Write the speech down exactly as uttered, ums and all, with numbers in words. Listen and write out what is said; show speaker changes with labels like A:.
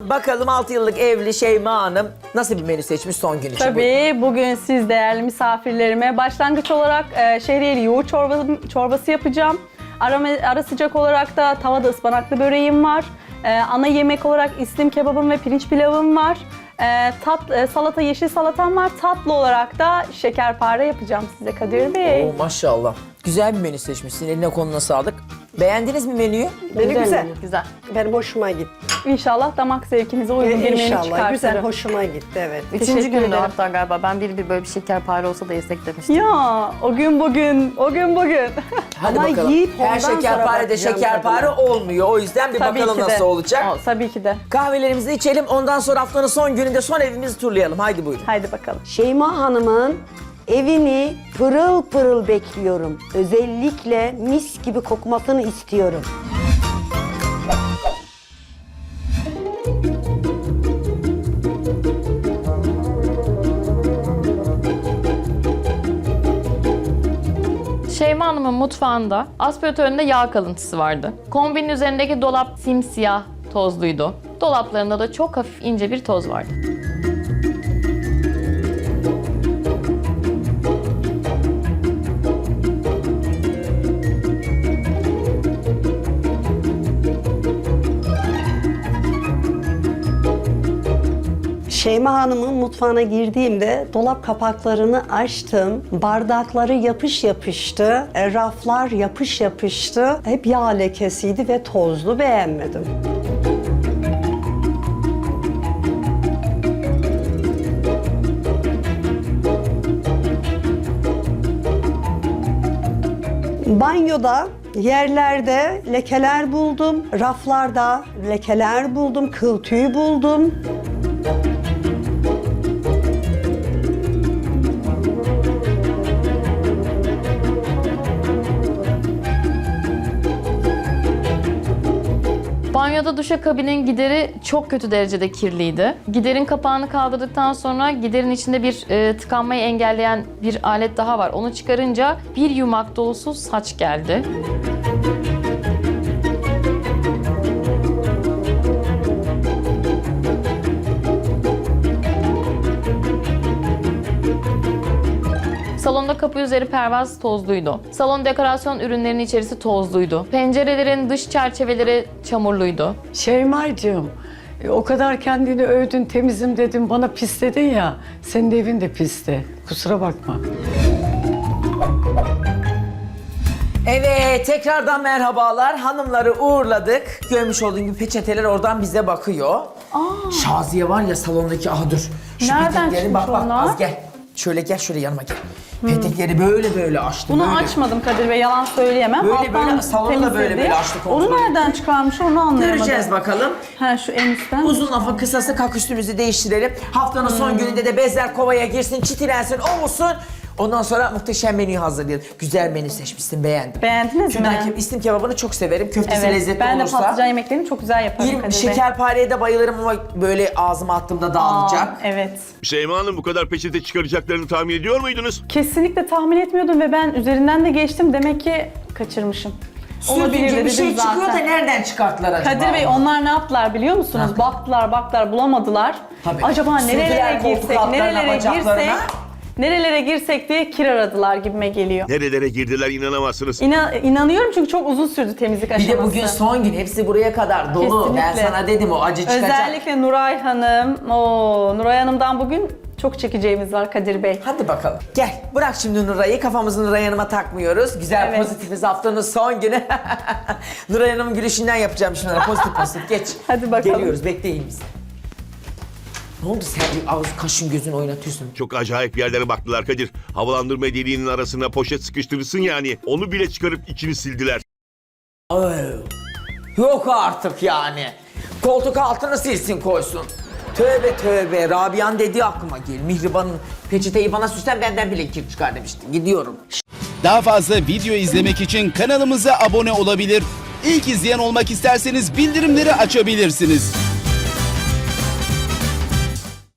A: Bakalım altı yıllık evli Şeyma Hanım nasıl bir menü seçmiş son gün için?
B: Tabii bugün siz değerli misafirlerime başlangıç olarak e, şehriyeli yoğurt çorbası, çorbası yapacağım. Ara, ara sıcak olarak da tavada ıspanaklı böreğim var. E, ana yemek olarak islim kebabım ve pirinç pilavım var. E, tat, e, salata, yeşil salatam var. Tatlı olarak da şekerpare yapacağım size Kadir Bey.
A: Oo, maşallah. Güzel bir menü seçmişsin. Eline koluna sağlık. Beğendiniz mi menüyü?
C: Menü güzel.
B: Güzel.
C: Benim hoşuma gitti.
B: İnşallah damak zevkinize uygun bir menü
C: İnşallah
B: çıkartırım.
C: güzel, hoşuma gitti evet.
D: Üçüncü
B: Teşekkür
D: günde
B: ederim.
D: hatta galiba ben bir bir böyle bir şekerpare olsa da yesek demiştim.
B: Ya o gün bugün, o gün bugün.
A: Hadi
C: Ama
A: bakalım.
C: yiyip
A: Her
C: ondan sonra
A: şekerpare de
C: bakacağım
A: şekerpare
C: tadına.
A: olmuyor. O yüzden bir
B: Tabii
A: bakalım
B: ki de.
A: nasıl olacak.
B: O, tabii ki de.
A: Kahvelerimizi içelim. Ondan sonra haftanın son gününde son evimizi turlayalım. Haydi buyurun.
B: Haydi bakalım.
C: Şeyma Hanım'ın evini pırıl pırıl bekliyorum. Özellikle mis gibi kokmasını istiyorum.
D: Şeyma Hanım'ın mutfağında aspiratöründe yağ kalıntısı vardı. Kombinin üzerindeki dolap simsiyah tozluydu. Dolaplarında da çok hafif ince bir toz vardı.
C: Şeyma Hanım'ın mutfağına girdiğimde dolap kapaklarını açtım. Bardakları yapış yapıştı. e, Raflar yapış yapıştı. Hep yağ lekesiydi ve tozlu, beğenmedim. Banyoda yerlerde lekeler buldum. Raflarda lekeler buldum. Kıl tüyü buldum.
D: Banyoda duşakabinin gideri çok kötü derecede kirliydi. Giderin kapağını kaldırdıktan sonra giderin içinde bir e, tıkanmayı engelleyen bir alet daha var. Onu çıkarınca bir yumak dolusu saç geldi. Salonda kapı üzeri pervaz tozluydu. Salon dekorasyon ürünlerinin içerisi tozluydu. Pencerelerin dış çerçeveleri çamurluydu.
E: Şeyma'cığım, e, o kadar kendini övdün, temizim dedin, bana pis dedin ya. Senin de evin de pisti. Kusura bakma.
A: Evet, tekrardan merhabalar. Hanımları uğurladık. Görmüş olduğun gibi peçeteler oradan bize bakıyor. Aa. Şaziye var ya salondaki, aha dur. Şu
B: Nereden
A: petekleri
B: çıkmış
A: bak bak
B: onlar?
A: az gel. Şöyle gel, şöyle yanıma gel. Petekleri böyle böyle açtı.
B: Bunu
A: böyle.
B: açmadım Kadir Bey, yalan söyleyemem.
A: Böyle
B: Alttan
A: böyle, salonu da böyle
B: temizledi.
A: böyle açtı, kontrol
B: Onu nereden çıkarmış onu anlayamadım.
A: Göreceğiz bakalım.
B: Ha şu en üstten.
A: Uzun lafın kısası, kalk üstümüzü değiştirelim. Haftanın son
B: Hmm.
A: gününde de bezler kovaya girsin, çitilensin, olsun. Ondan sonra muhteşem menüyü hazırlayalım. Güzel menü seçmişsin, beğendim.
B: Beğendiniz
A: Şundan
B: mi?
A: ke- istim kebabını çok severim. Köftesi
B: Evet,
A: lezzetli
B: ben de
A: olursa.
B: patlıcan yemeklerini çok güzel yaparım
A: Bir
B: Kadir Bey.
A: şekerpareye de bayılırım ama böyle ağzıma attığımda dağılacak.
B: Aa, evet.
F: Şeyma Hanım, bu kadar peçete çıkaracaklarını tahmin ediyor muydunuz?
B: Kesinlikle tahmin etmiyordum ve ben üzerinden de geçtim. Demek ki kaçırmışım.
A: Sürtünce bir
B: dedim
A: şey çıkıyor da
B: zaten.
A: nereden çıkarttılar acaba?
B: Kadir Bey onlar ne yaptılar biliyor musunuz?
A: Ha.
B: Baktılar baktılar bulamadılar.
A: Tabii.
B: Acaba
A: Sürdüler
B: nerelere
A: koltuk
B: girsek,
A: altlarına,
B: nerelere
A: bacaklarına.
B: girsek, nerelere girsek diye kir aradılar gibime geliyor.
F: Nerelere girdiler inanamazsınız.
B: İna, inanıyorum çünkü çok uzun sürdü temizlik
A: Bir
B: aşaması.
A: de bugün son gün, hepsi buraya kadar dolu. Ben
B: Kesinlikle.
A: sana dedim o acı çıkacak.
B: Özellikle Nuray Hanım, o Nuray Hanım'dan bugün çok çekeceğimiz var Kadir Bey.
A: Hadi bakalım. Gel bırak şimdi Nuray'ı. Kafamızı Nuray Hanım'a takmıyoruz. Güzel
B: Evet.
A: pozitifiz haftanın son günü. Nuray Hanım'ın gülüşünden yapacağım şimdi ona. Pozitif pozitif. Geç.
B: Hadi bakalım.
A: Geliyoruz, bekleyin bizi. Ne oldu, sen bir ağız kaşın gözün oynatıyorsun?
F: Çok acayip yerlere baktılar Kadir. Havalandırma deliğinin arasına poşet sıkıştırırsın yani. Onu bile çıkarıp içini sildiler.
A: Ay, yok artık yani. Koltuk altını silsin koysun. Tövbe tövbe. Rabia'nın dediği aklıma gel. Mihriban'ın peçeteyi bana süslen, benden bile kir çıkar demişti. Gidiyorum.
G: Daha fazla video izlemek için kanalımıza abone olabilir. İlk izleyen olmak isterseniz bildirimleri açabilirsiniz.